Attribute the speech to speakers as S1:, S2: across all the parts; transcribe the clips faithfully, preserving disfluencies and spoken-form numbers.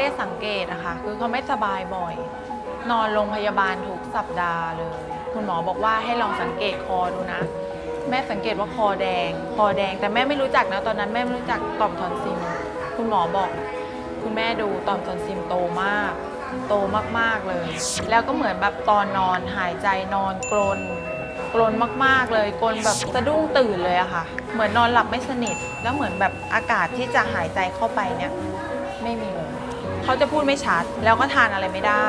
S1: ได้สังเกตอะค่ะคือเขาไม่สบายบ่อย นอนโรงพยาบาลทุกสัปดาห์เลย คุณหมอบอกว่าให้ลองสังเกตคอดูนะ แม่สังเกตว่าคอแดง คอแดงแต่แม่ไม่รู้จักนะตอนนั้นแม่ไม่รู้จักต่อมทอนซิลคุณหมอบอกคุณแม่ดูต่อมทอนซิลโตมาก โตมากๆเลย แล้วก็เหมือนแบบตอนนอนหายใจนอนกรนกรนมากๆเลยกรนแบบสะดุ้งตื่นเลยอะค่ะเหมือนนอนหลับไม่สนิทแล้วเหมือนแบบอากาศที่จะหายใจเข้าไปเนี่ยไม่มีเลยเขาจะพูดไม่ชัดแล้วก็ทานอะไรไม่ได้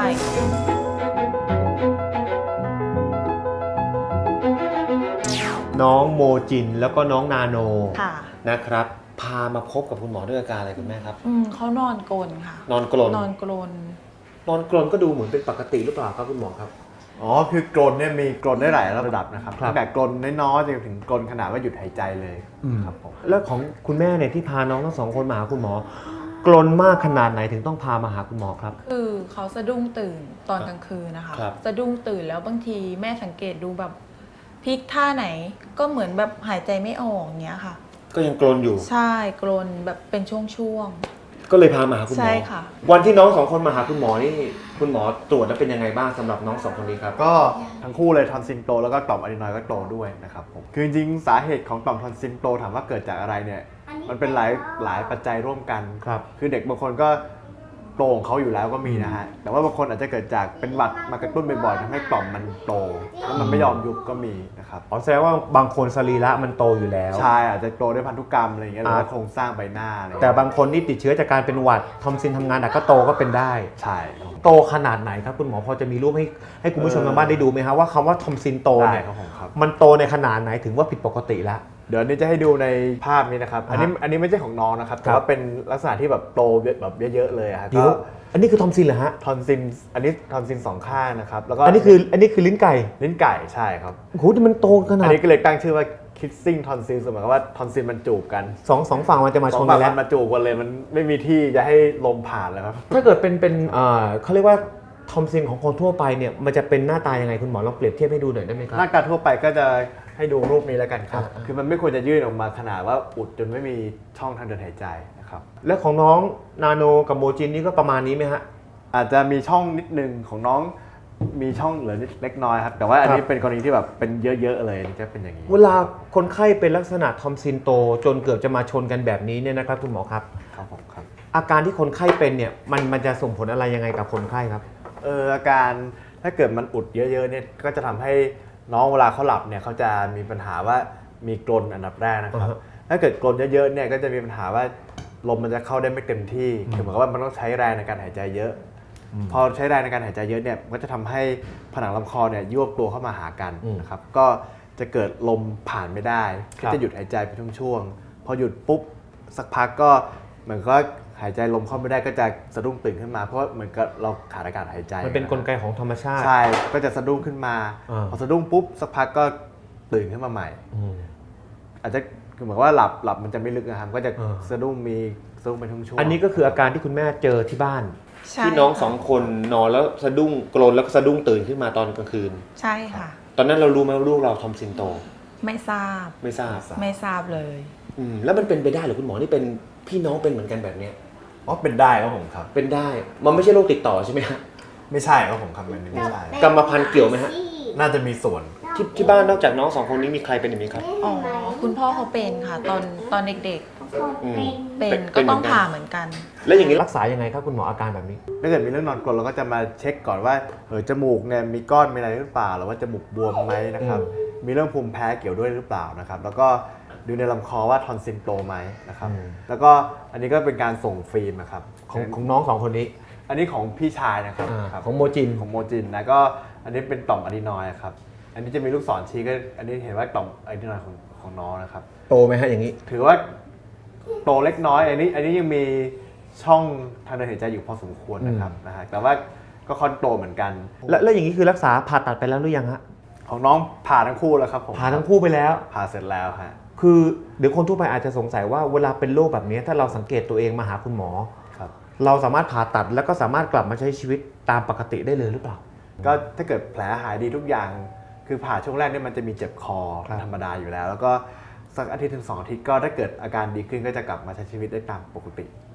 S2: น้องโมจินแล้วก็น้องนาโน
S1: ค่ะ
S2: นะครับพามาพบกับคุณหมอด้วยอาการอะไรคุณแม่ครับ
S1: อืมเขานอนกรนค่ะ
S2: นอนกรน
S1: นอนกรน
S2: นอนกรนก็ดูเหมือนเป็นปกติหรือเปล่าครับคุณหมอครับ
S3: อ๋อคือกรนเนี่ยมีกรนได้หลายระดับนะครับ
S2: ครับ
S3: ตั้งแต่กรนน้อยๆจนถึงกรนขนาดว่าหยุดหายใจเลยครับผม
S2: แล้วของคุณแม่เนี่ยที่พาน้องทั้งสองคนมาหาคุณหมอกรนมากขนาดไหนถึงต้องพามาหาคุณหมอครับ
S1: คือเขาสะดุ้งตื่นตอนกลางคืนนะคะสะดุ้งตื่นแล้วบางทีแม่สังเกตดูแบบพลิกท่าไหนก็เหมือนแบบหายใจไม่ออกเงี้ยค่ะ
S2: ก็ยังกรนอยู่
S1: ใช่กรนแบบเป็นช่วง
S2: ๆก็เลยพามาหาคุณหมอ
S1: ใช่ค่ะ
S2: วันที่น้องสองคนมาหาคุณหมอนี่คุณหมอตรวจแล้วเป็นยังไงบ้างสำหรับน้องสองคนนี้ครับ
S3: ก็ทั้งคู่เลยทอนซิลโตแล้วก็ต่อมอะดรีนอยด์ก็โตด้วยนะครับผมคือจริงๆสาเหตุของต่อมทอนซิลโตถามว่าเกิดจากอะไรเนี่ยมันเป็นหลายหลายปัจจัยร่วมกัน
S2: ครับ
S3: คือเด็กบางคนก็โตของเขาอยู่แล้วก็มีนะฮะแต่ว่าบางคนอาจจะเกิดจากเป็นหวัดมากระตุ้นบ่อยๆทำให้ต่อมมันโตแล้วมันไม่ยอมยุบก็มีนะครับ
S2: อ๋อแสดงว่าบางคนสรีระมันโตอยู่แล้ว
S3: ใช่อาจจะโตด้วยพันธุกรรมอะไรอย่างเงี้ยหรือว่าโครงสร้างใบหน้าอะไร
S2: แต่บางคนที่ติดเชื้อจากการเป็นหวัดทอมซินทำงานหนักก็โตก็เป็นได้
S3: ใช่
S2: โตขนาดไหนครับคุณหมอพอจะมีรูปให้ให้คุณผู้ชมทางบ้านได้ดูไหมครับว่าคำว่าทอมซินโตเนี่ยมันโตในขนาดไหนถึงว่าผิดปกติแล้ว
S3: เดี๋ยวนี้จะให้ดูในภาพนี้นะครับอันนี้อันนี้ไม่ใช่ของน้องนะครับแต่ว่าเป็นลักษณะที่แบบโตแบบเยอะๆเลยครับ
S2: เดี๋ยวอันนี้คือทอมซินเหรอฮะ
S3: ทอนซินอันนี้ทอนซินสองข้างนะครับแล้วก็
S2: อันนี้คืออันนี้คือลิ้นไก่
S3: ลิ้นไก่ใช่ครับ
S2: โอ้โหมันโตขนาด
S3: อันนี้ก็เลยตั้งชื่อว่าคิสซิ่งทอนซิลหมายความว่าทอนซินมันจูบกัน
S2: สองสองฝั่งมันจะมาชนกันแล้ว
S3: มาจูบกันเลยมันไม่มีที่จะให้ลมผ่านแล้วครับ
S2: ถ้าเกิดเป็นเป็นเอ่อเขาเรียกว่าทอมซินของคนทั่วไปเนี่ยมันจะเป็นหน้าตายังไงคุณหมอลองเปรียบเทียบให้ดูหน่อยได้ไหมครับ
S3: หน้าตาทั่วไปก็จะให้ดูรูปนี้แล้วกันครับคือมันไม่ควรจะยื่นออกมาขนาดว่าอุดจนไม่มีช่องทางเดินหายใจนะครับ
S2: แล้วของน้องนาโนกับโมจินนี่ก็ประมาณนี้ไหมฮะ
S3: อาจจะมีช่องนิดนึงของน้องมีช่องเหลือนิดเล็กน้อยครับแต่ว่าอันนี้เป็นกรณีที่แบบเป็นเยอะๆเลยจะเป็นอย่างนี้
S2: เวลาคนไข้เป็นลักษณะทอมซินโตจนเกือบจะมาชนกันแบบนี้เนี่ยนะครับคุณหมอครับ
S3: ครับผมครับ
S2: อาการที่คนไข้เป็นเนี่ยมันมันจะส่งผลอะไรยังไงกับคนไข้ครับ
S3: เอออาการถ้าเกิดมันอุดเยอะๆเนี่ยก็จะทำให้น้องเวลาเขาหลับเนี่ยเขาจะมีปัญหาว่ามีกรนอันดับแรกนะครับถ้าเกิดกรนเยอะๆเนี่ยก็จะมีปัญหาว่าลมมันจะเข้าได้ไม่เต็มที่คือเหมือนกับว่ามันต้องใช้แรงในการหายใจเยอะพอใช้แรงในการหายใจเยอะเนี่ยก็จะทำให้ผนังลำคอเนี่ยยวบตัวเข้ามาหากันนะครับก็จะเกิดลมผ่านไม่ได้ก็จะหยุดหายใจไปช่วงๆพอหยุดปุ๊บสักพักก็เหมือนก็หายใจลมเข้าไม่ได้ก็จะสะดุ้งตื่นขึ้นมาเพราะเหมือนกับเราขาดอากาศหายใจ
S2: มันเป็นกลไกของธรรมชาติ
S3: ใช่ก็จะสะดุ้งขึ้นมาพอสะดุ้งปุ๊บสักพักก็ตื่นขึ้นมาใหม่อาจจะคือเหมือนว่าหลับหลับมันจะไม่ลึกนะครับก็จะสะดุ้งมีสะดุ้งเป็นช่วงๆ
S2: อันนี้ก็คืออาการที่คุณแม่เจอที่บ้าน
S1: ที่
S2: น้องสองคนนอนแล้วสะดุ้งกรนแล้วก็สะดุ้งตื่นขึ้นมาตอนกลางคืน
S1: ใช่ค่ะ
S2: ตอนนั้นเรารู้ไหมว่าลูกเราทอมซินโต
S1: ไม่ทราบ
S2: ไม่ทราบ
S1: ไม่ทราบเลย
S2: อืมแล้วมันเป็นไปได้หรือคุณหมอนี่เป็นพี่น้องเป็นเหมือนกันแบบนี้
S3: อ๋อเป็นได้ครับผมครับ
S2: เป็นได้มันไม่ใช่โรคติดต่อใช่ไหมฮะ
S3: ไม่ใช่ครับผมครับมันไม่ใช่
S2: กรรมพันธุ์เกี่ยวไหมฮะ
S3: น่าจะมีส่วน
S2: ที่ที่บ้านนอกจากน้องสองคนนี้มีใครเป็นอย่างนี้ครับ
S1: อ๋อคุณพ่อเขาเป็นค่ะตอนตอนเด็กๆเป็นก็ต้องผ่าเหมือนกัน
S2: แล้วอย่างนี้รักษายังไงครับคุณหมออาการแบบนี้
S3: ถ้าเกิดมีเรื่องนอนกรนเราก็จะมาเช็คก่อนว่าเออจมูกเนี่ยมีก้อนมีอะไรหรือเปล่าหรือว่าจมูกบวมไหมนะครับมีเรื่องภูมิแพ้เกี่ยวด้วยหรือเปล่านะครับแล้วก็ดูในลำคอว่าทอนซิลโตไหมนะครับแล้วก็อันนี้ก็เป็นการส่งฟิล์มนะครับ
S2: ของของน้องสองคนนี้
S3: อันนี้ของพี่ชายนะครับ
S2: ของโมจิน
S3: ของโมจินนะก็อันนี้เป็นต่อมอะดรีนอยด์ครับอันนี้จะมีลูกศรชี้ก็อันนี้เห็นว่าต่อมอะดรีนอยด์ของของน้องนะครับ
S2: โตไหมฮะอย่างนี้
S3: ถือว่าโตเล็กน้อยอันนี้อันนี้ยังมีช่องทางเดินหายใจอยู่พอสมควรนะครับนะฮะแต่ว่าก็ค่อนโตเหมือนกัน
S2: แล้วแล้วอย่างนี้คือรักษาผ่าตัดไปแล้วหรือยังฮะ
S3: ของน้องผ่าทั้งคู่แล้วครับผม
S2: ผ่าทั้งคู่ไปแล้ว
S3: ผ่าเสร็จแล้วฮะ
S2: คือเดี๋ยวคนทั่วไปอาจจะสงสัยว่าเวลาเป็นโรคแบบนี้ถ้าเราสังเกตตัวเองมาหาคุณหมอ
S3: ครับ
S2: เราสามารถผ่าตัดแล้วก็สามารถกลับมาใช้ชีวิตตามปกติได้เลยหรือเปล่า
S3: ก็ถ้าเกิดแผลหายดีทุกอย่างคือผ่าช่วงแรกเนี่ยมันจะมีเจ็บคอธรรมดาอยู่แล้วแล้วก็สักอาทิตย์ถึงสองอาทิตย์ก็ถ้าเกิดอาการดีขึ้นก็จะกลับมาใช้ชีวิตได้ตามปกติ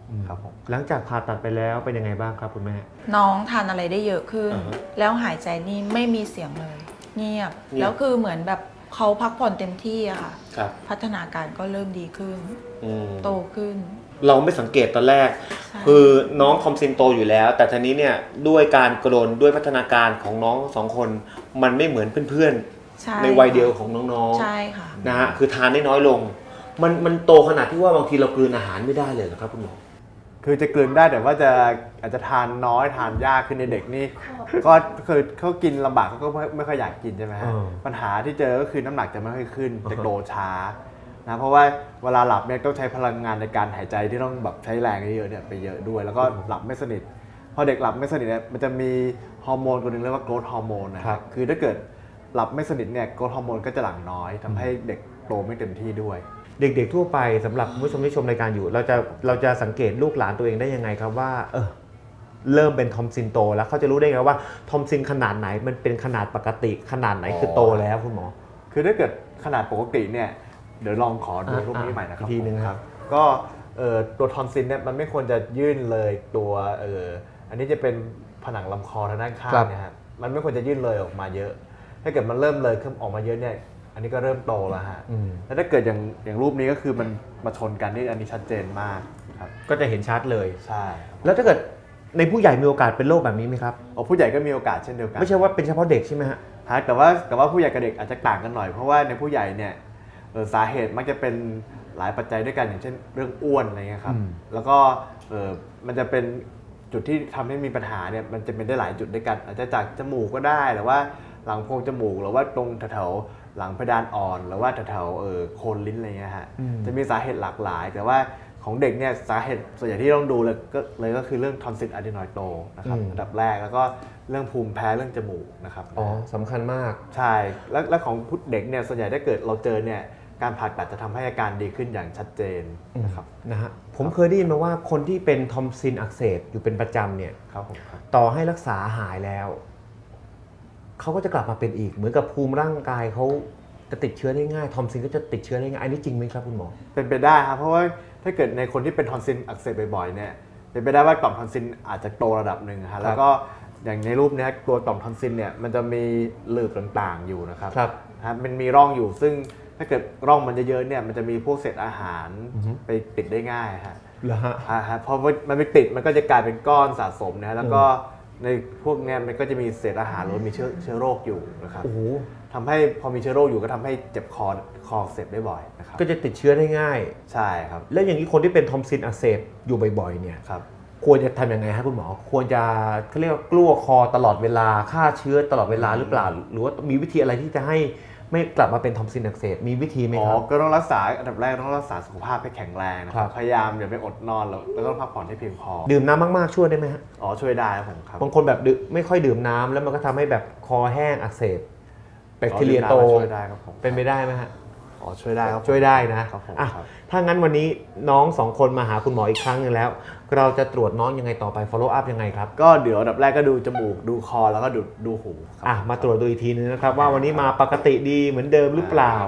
S3: ครับผม
S2: หลังจากผ่าตัดไปแล้วเป็นยังไงบ้างครับคุณแม่
S1: น้องทานอะไรได้เยอะขึ้น
S2: อ่าฮะ
S1: แล้วหายใจนี่ไม่มีเสียงเลย เงียบ
S2: เงียบ
S1: แล้วคือเหมือนแบบเขาพักผ่อนเต็มที่อะค่ะ
S2: ครับ
S1: พัฒนาการก็เริ่มดีขึ้น
S2: อืม
S1: โตขึ้น
S2: เราไม่สังเกตตอนแรก
S1: ใช่
S2: คือน้องทอมซินโตอยู่แล้ว แต่ทีนี้เนี่ยด้วยการกระโดนด้วยพัฒนาการของน้องสองคนมันไม่เหมือนเพื่อน
S1: ใช่
S2: ๆในวัยเดียวของน้อง
S1: ใช่ค่ะ
S2: ๆนะฮะคือทานได้น้อยลง มันมันโตขนาดที่ว่าบางทีเรากลืนอาหารไม่ได้เลยเหรอครับคุณหมอ
S3: คือจะกลืนได้แต่ว่าจะอาจจะทานน้อยทานยากขึ้นในเด็กนี่ ก็คือเขากินลำบากเขาก็ไม่ไม่ค่อยอยากกินใช่ไหมฮะ
S2: เออ
S3: ปัญหาที่เจอก็คือน้ำหนักจะไม่ค่อยขึ้น
S2: อ่าฮะ
S3: จะโตช้านะเพราะว่าเวลาหลับเนี่ยต้องใช้พลังงานในการหายใจที่ต้องแบบใช้แรงเยอะๆเนี่ยไปเยอะด้วย แล้วก็หลับไม่สนิทพอเด็กหลับไม่สนิทเนี่ยมันจะมีฮอร์โมนตัวหนึงเรียกว่าโกรทฮอร์โมนนะครับ คือถ้าเกิดหลับไม่สนิทเนี่ยโกรทฮอร์โมนก็จะหลั่งน้อยทำให้เด็กโตไม่เต็มที่ด้วย
S2: เด็กๆทั่วไปสำหรับคุณผู้ชมที่ชมรายการอยู่ เราจะเราจะสังเกตลูกหลานตัวเองได้ยังไงครับว่าเออเริ่มเป็นทอมซินโตแล้วเขาจะรู้ได้ไงว่าทอมซินขนาดไหนมันเป็นขนาดปกติขนาดไหนคือโตแล้วคุณหมอ
S3: คือถ้าเกิดขนาดปกติเนี่ยเดี๋ยวลองขอดู
S2: อ่ะ
S3: รูปนี้ใหม่นะครับ
S2: อีกทีหนึ่ง
S3: ผม
S2: ครับ
S3: ก็เอ่อตัวทอนซิลเนี่ยมันไม่ควรจะยื่นเลยตัวเอ่ออันนี้จะเป็นผนังลำคอทางด้านข้างเนะฮะมันไม่ควรจะยื่นเลยออกมาเยอะ ถ้าเกิดมันเริ่มเลยขึ้นออกมาเยอะเนี่ยอันนี้ก็เริ่มโตแล้วฮะ
S2: อืม
S3: แล้วถ้าเกิดอย่างอย่างรูปนี้ก็คือมันมาชนกันนี่อันนี้ชัดเจนมากครับ
S2: ก็จะเห็นชัดเลย
S3: ใช่ครับ
S2: แล้วถ้าเกิดในผู้ใหญ่มีโอกาสเป็นโรคแบบนี้ไหมครับ
S3: อ๋อผู้ใหญ่ก็มีโอกาสเช่นเดียวกัน
S2: ไม่ใช่ว่าเป็นเฉพาะเด็กใช่ไหมฮะ
S3: ฮะแต่ว่าแต่ว่าผู้ใหญ่กับเด็กอาจจะต่างกันหน่อย เพราะว่าในผู้ใหญ่เนี่ยเอ่อสาเหตุมักจะเป็นหลายปัจจัยด้วยกันอย่างเช่นเรื่องอ้วนอะไรเงี้ยครับ
S2: อืม
S3: แล้วก็เอ่อมันจะเป็นจุดที่ทำให้มีปัญหาเนี่ยมันจะเป็นได้หลายจุดด้วยกัน อาจจะจากจมูกก็ได้หรือว่าหลังโพรงจมูกหรือว่าตรงแถวๆหลังเพดานอ่อน หรือว่าแถวๆเอ่อโคนลิ้นอะไรเงี้ยฮะจะมีสาเหตุหลากหลาย แต่ว่าของเด็กเนี่ยสาเหตุส่วนใหญ่ที่ต้องดูเลยก็เลยก็คือเรื่องทอนซิลอะดีนอยด์โตนะครับอันดับแรกแล้วก็เรื่องภูมิแพ้เรื่องจมูกนะครับ
S2: อ๋อสำคัญมาก
S3: ใช่ แล้วแล้วของผู้เด็กเนี่ยส่วนใหญ่ถ้าเกิดเราเจอเนี่ยการผ่าตัดจะทำให้อาการดีขึ้นอย่างชัดเจนนะครับ
S2: นะฮะผมเคยได้ยินมาว่าคนที่เป็นทอมซินอักเสบอยู่เป็นประจำเนี่ย
S3: ครับผมครับ
S2: ต่อให้รักษาหายแล้ว เขาก็จะกลับมาเป็นอีก เหมือนกับภูมิร่างกายเขาจะติดเชื้อได้ง่ายทอมซินก็จะติดเชื้อได้ง่ายอันนี้จริงไหมครับคุณหมอ
S3: เป็นไปได้ครับเพราะว่าถ้าเกิดในคนที่เป็นทอนซิลอักเสบบ่อยๆเนี่ยเป็นไปได้ว่าต่อมทอนซิลอาจจะโตระดับหนึ่งฮะแล้วก็อย่างในรูปเนี้ยตัวต่อมทอนซิลเนี่ยมันจะมีหลืบต่างๆอยู่นะครับ
S2: ครับ
S3: ฮะมันมีร่องอยู่ซึ่งถ้าเกิดร่องมันเยอะๆเนี่ยมันจะมีพวกเศษอาหาร
S2: อือฮึ
S3: ไปติดได้ง่ายฮะ
S2: เหรอฮะ
S3: อ่าฮะพอมันไปติดมันก็จะกลายเป็นก้อนสะสมนะฮะแล้วก็ในพวกเนี้ยมันก็จะมีเศษอาหารหรือว่ามีเชื้อเชื้อโรคอยู่นะครับ
S2: โอ้โห
S3: ทำให้พอมีเชื้อโรคอยู่ก็ทำให้เจ็บคอคออักเสบได้บ่อยนะครับ
S2: ก็จะติดเชื้อได้ง่าย
S3: ใช่ครับ
S2: แล้วอย่างนี้คนที่เป็นทอมซินอักเสบอยู่บ่อยๆเนี่ย
S3: ครับ
S2: ควรจะทำยังไงครับคุณหมอ ควรจะเขาเรียกว่ากลั้วคอตลอดเวลาฆ่าเชื้อตลอดเวลาหรือเปล่า หรือว่ามีวิธีอะไรที่จะให้ไม่กลับมาเป็นทอมซินอักเสบมีวิธีไหม
S3: อ๋
S2: ค
S3: อ
S2: รับ
S3: ก็ต้องรักษาอันดับแรกต้องรักษาสุขภาพให้แข็งแรงนะค
S2: ครั
S3: รับบ พยายามอย่าไปอดนอนแล้วแล้วก็พักผ่อนให้เพียงพอ
S2: ดื่มน้ำมากๆช่วยได้ไหมฮะ
S3: อ๋อช่วยได้ครับผมครับ
S2: บางคนแบบดื่มไม่ค่อยดื่มน้ำแล้วมันก็ทำให้แบบคอแห้งอักเสบแบคทีเรียโต
S3: อ๋อดื่มน้ำช่วยได้ครับผม
S2: เป็นไปได้ไหมฮะ
S3: อ๋อช่วยได้ครับผม
S2: ช่วยได้นะครับ
S3: ผม
S2: อ่ะ
S3: ครับ
S2: ถ้างั้นวันนี้น้องสองคนมาหาคุณหมออีกครั้งหนึงแล้ว เราจะตรวจน้องยังไงต่อไป follow up ยังไงครับ
S3: ก็เดี๋ยวอันดับแรกก็ดูจมูกดูคอแล้วก็ดูดูหูครับ
S2: อ่ะมาตรวจดูอีกทีนึงนะครับ ว่าวันนี้มาปกติดีเหมือนเดิมหรือเปล่า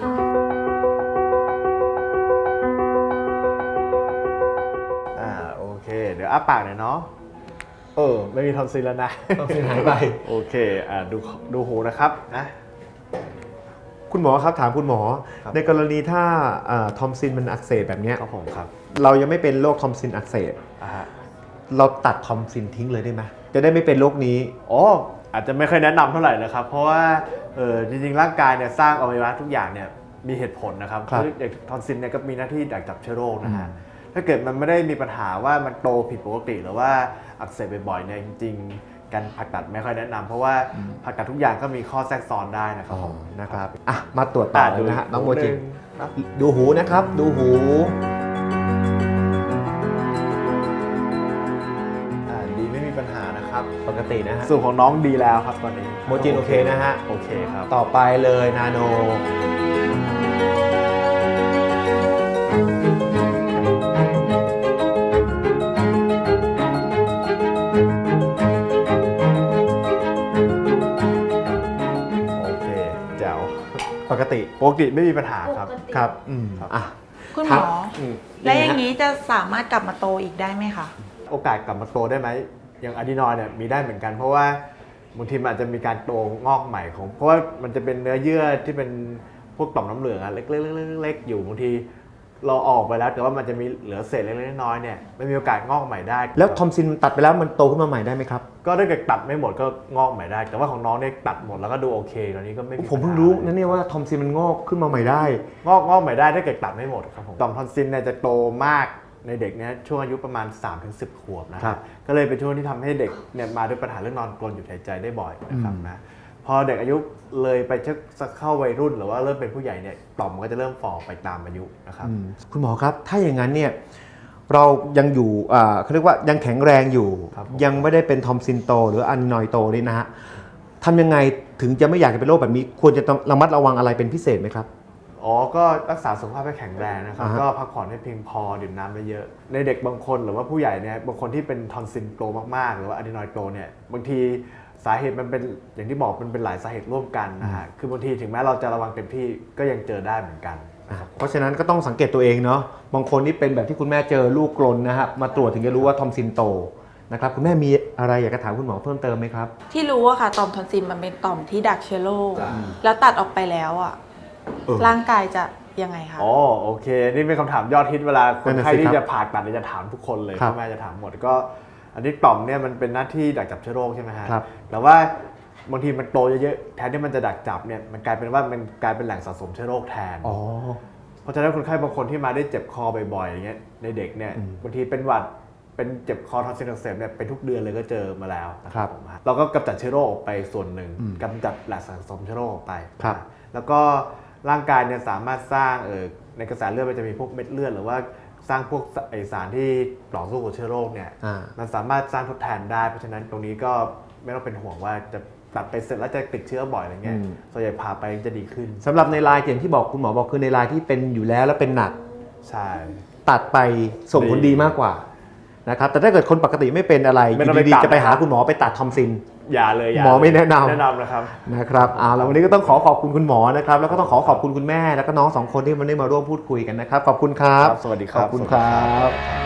S3: อ่าโอเค เดี๋ยวอ้าปากหน่อยเนาะเออไม่มีทอนซิลแล้วนะ
S2: ทอนซิลหายไป
S3: โอเคอ่าดูดูหูนะครับนะ
S2: คุณหมอครับถามคุณหมอ
S3: ครับ
S2: ในกรณีถ้าทอมซินมันอักเสบแบบเนี้ย
S3: ครับผมครับ
S2: เรายังไม่เป็นโรคทอมซินอักเสบ
S3: อ่าฮะ
S2: เราตัดทอมซินทิ้งเลยได้ไหมจะได้ไม่เป็นโรคนี้
S3: อ๋ออาจจะไม่ค่อยแนะนำเท่าไหร่นะครับ เพราะว่าเออจริงๆ ร่างกายเนี่ยสร้างอวัยวะทุกอย่างเนี่ยมีเหตุผลนะครับ
S2: ครับ
S3: อย่างทอนซิลเนี่ยก็มีหน้าที่ดักจับเชื้อโรคนะฮะถ้าเกิดมันไม่ได้มีปัญหาว่ามันโตผิดปกติหรือว่าอักเสบบ่อยๆเนี่ยจริงๆ การผ่าตัดไม่ค่อยแนะนำเพราะว่าผ่าตัดทุกอย่างก็มีข้อแทรกซ้อนได้นะครับผม
S2: นะครับอ่ะมาตรวจต่อเลยนะฮะน้องโมจิ
S3: หูหนะ
S2: ดูหูนะครับ ดูหู
S3: อ่าดีไม่มีปัญหานะครับ
S2: ปกตินะฮะ
S3: ส่วนของน้องดีแล้วครับตอนนี้
S2: โมจินโอเคนะฮะ
S3: โอเคครับ
S2: ต่อไปเลยนาโน
S3: โอเคแจ๋ว
S2: ปกติ
S3: ปกติไม่มีปัญหาครับ
S2: ครับอืม
S3: ครับ
S2: อ่ะ
S1: คุณหมอ
S2: อืม
S1: และอย่าง
S2: นี้
S1: นี้จะสามารถกลับมาโตอีกได้ไหมคะ
S3: โอกาสกลับมาโตได้ไหมอย่างอะดีนอยด์เนี่ยมีได้เหมือนกัน เพราะว่าบางทีมันอาจจะมีการโตงอกใหม่ของ เพราะว่ามันจะเป็นเนื้อเยื่อที่เป็นพวกต่อมน้ำเหลืองอะเล็กๆๆๆๆอยู่บางทีเราออกไปแล้วแต่ว่ามันจะมีเหลือเศษเล็กๆน้อยๆเนี่ยไม่มีโอกาสงอกใหม่ได้
S2: แล้วทอมซินตัดไปแล้วมันโตขึ้นมาใหม่ได้ไหมครับ
S3: ก็ถ้าเกิดตัดไม่หมดก็งอกใหม่ได้ แต่ว่าของน้องเนี่ยตัดหมดแล้วก็ดูโอเคตอนนี้ก็ไม่มี
S2: ผมเพิ่ง
S3: ปัญหา
S2: รู้
S3: ล
S2: นะเนี่ยว่าทอมซินมันงอกขึ้นมาใหม่ได้
S3: งอกงอกใหม่ได้ถ้าเกิดตัดไม่หมดครับผมต่อมทอนซิลเนี่ยจะโตมากในเด็กเนี่ยช่วงอายุประมาณ สามถึงสิบ ขวบนะค
S2: ครั
S3: รับบ ก็เลยเป็นช่วงที่ทำให้เด็กเนี่ยมาด้วยปัญหาเรื่องนอนกรนหยุดหายใจได้บ่อยนะครับ
S2: อืม
S3: นะพอเด็กอายุเลยไปชักเข้าวัยรุ่นหรือว่าเริ่มเป็นผู้ใหญ่เนี่ยต่อมมันก็จะเริ่มฝ่อไปตามอายุนะครับ
S2: อืมคุณหมอครับ ถ้าอย่างนั้นเนี่ยเรายังอยู่อ่าเขาเรียกว่ายังแข็งแรงอยู่
S3: ครับผม
S2: ยังไม่ได้เป็นทอมซินโตหรืออันนอยโตนี่นะฮะทำยังไงถึงจะไม่อยากจะเป็นโรคแบบนี้ ควรจะต้องระมัดระวังอะไรเป็นพิเศษไหมครับ
S3: อ๋อก็รักษาสุขภาพให้แข็งแรงนะครับ
S2: อ่าฮะ
S3: ก็พักผ่อนให้เพียงพอดื่มน้ำเยอะๆในเด็กบางคนหรือว่าผู้ใหญ่เนี่ยบางคนที่เป็นทอนซิลโตมากๆหรือว่าอะดีนอยด์โตเนี่ยบางทีสาเหตุมันเป็นอย่างที่บอกมันเป็นหลายสาเหตุร่วมกันนะฮะคือบางทีถึงแม้เราจะระวังเต็มที่ก็ยังเจอได้เหมือนกันนะครับ
S2: เพราะฉะนั้นก็ต้องสังเกตตัวเองเนาะบางคนนี่เป็นแบบที่คุณแม่เจอลูกกลนนะครับมาตรวจถึงจะรู้ว่าทอมซินโตนะครับคุณแม่มีอะไรอยากจะถามคุณหมอเพิ่มเติมไหมครับ
S1: ที่รู้อะค่ะต่อมทอนซิลมันเป็นต่อมที่ดักเชื้อโรค
S3: จ้ะ
S1: แล้วตัดออกไปแล้วอะ
S2: เออ
S1: ร่างกายจะยังไงคะ
S3: อ๋อโอเค นี่เป็นคำถามยอดฮิตเวลาคนไข้
S2: นั่นน่ะสิ
S3: ที่
S2: ครับ
S3: จะผ่าตัดเนี่ยจะถามทุกคนเลย
S2: ครับ
S3: พ่อแม่จะถามหมดก็ อันนี้ต่อมเนี่ยมันเป็นหน้าที่ดักจับเชื้อโรคใช่ไหมฮะ
S2: ครับ
S3: แต่ว่าบางทีมันโตเยอะๆแทนที่มันจะดักจับเนี่ยมันกลายเป็นว่ามันกลายเป็นแหล่งสะสมเชื้อโรคแทน
S2: อ๋อ
S3: เพราะฉะนั้นคนไข้บางคนที่มาได้เจ็บคอบ่อยๆอย่างเงี้ยในเด็กเนี่ย
S2: อืม
S3: บางทีเป็นหวัดเป็นเจ็บคอทอนซิลอักเสบเนี่ยเป็นทุกเดือนเลยก็เจอมาแล้วนะครับ ผมเราก็กำจัดเชื้อโรคออกไปส่วนหนึ่ง
S2: อืม
S3: กำจัดแหล่งสะสมเชื้อโรคออกไป
S2: ครับ
S3: แล้วก็ร่างกายเนี่ยสามารถสร้างเออในกระแสเลือดมันจะมีพวกเม็ดเลือดหรือว่าสร้างพวกไอสารที่ต่อสู้กับเชื้อโรคเนี่ย
S2: อ่า
S3: มันสามารถสร้างทดแทนได้เพราะฉะนั้นตรงนี้ก็ไม่ต้องเป็นห่วงว่าจะตัดไปเสร็จแล้วจะติดเชื้อบ่อยอะไรเงี้ย
S2: อืม
S3: ส่วนใหญ่ผ่าไปจะดีขึ้น
S2: สำหรับในรายอย่างที่บอกคุณหมอบอกคือในรายที่เป็นอยู่แล้วแล้วเป็นหนัก
S3: ใช่
S2: ตัดไปส่งผลดีมากกว่านะครับแต่ถ้าเกิดคนปกติไม่เป็นอะไร
S3: ไม่ต้องไป
S2: ดี
S3: ตัด
S2: ๆจะไปหาคุณหมอไปตัดทอมซิน
S3: อย่าเลยอย่า
S2: หมอไม่แนะนำ
S3: แนะนำนะครับ
S2: นะครับเอาแล้ววันนี้ก็ต้องขอขอบคุณคุณหมอนะครับแล้วก็ต้องขอขอบคุณคุณแม่แล้วก็น้องสองคนที่มันได้มาร่วมพูดคุยกันนะครับขอบคุณครับ
S3: ครับสวัสดีครับ
S2: ขอบคุณครับ